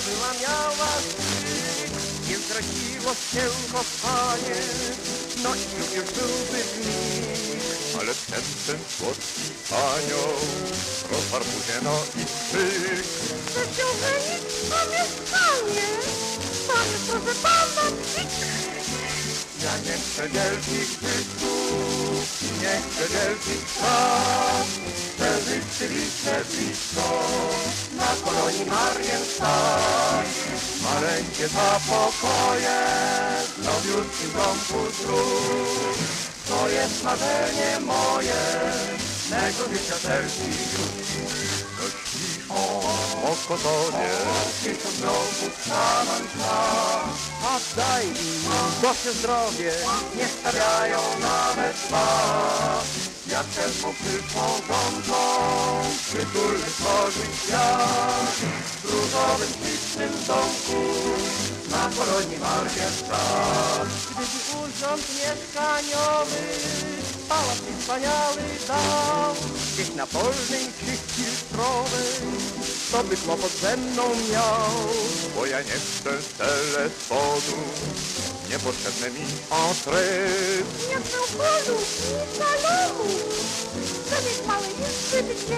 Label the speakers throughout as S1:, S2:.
S1: była miała styk, nie zdradziło się kochanie, no i już byłby w nich.
S2: Ale wtem ten słodki anioł rozwarł mu się no i krzyk.
S1: Chce się żenić na mieszkanie, pan proszę pana psik.
S2: Ja nie chcę wielkich zysków, nie chcę wielkich spraw. Chcę rzeczywiście blisko
S1: Na kolonii Marienstadt
S2: maleńkie dwa pokoje w nowiutkim domku zdrów.
S1: to jest marzenie moje,
S2: Mego życia serci już to śpisz o kotonie.
S1: tysiąc kroków stanąć nam. A daj im Boże zdrowie, nie stawiają nawet dwa.
S2: Jak też mu przyszłą rządzą przytulny tworzyć świat
S1: W różowym, ślicznym domku na kolonii Marienstadt. Gdyby urząd mieszkaniowy pałac mi wspaniały dał, gdzieś na polnej czy filtrowej, to by kłopot ze mną miał.
S2: Bo ja nie chcę telefonu, niepotrzebne mi entry.
S1: Nie chcę polu i salonu, zamiast małej izby gdzie.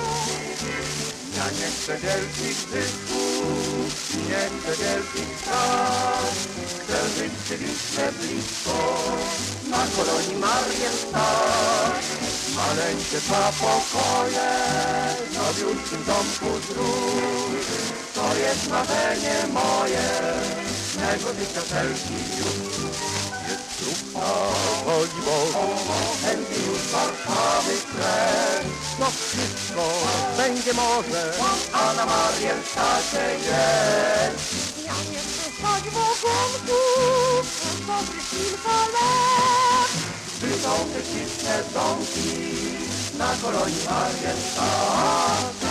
S2: Ja nie chcę wielkich zysków, nie chcę wielkich spraw. Chcę żyć cywilnie blisko
S1: Na kolonii Marienstadt
S2: maleńkie dwa pokoje w nowiutkim domku zdrów.
S1: to jest marzenie moje,
S2: Mego życia serci już jest trup na woli Bogu.
S1: chętnie już Warszawy krew. No wszystko będzie może, a na Marienstadcie jest. Ja nie chcę stać w ogonku przez dobry kilka lat. Gdy są te śliczne domki na kolonii Marienstadt.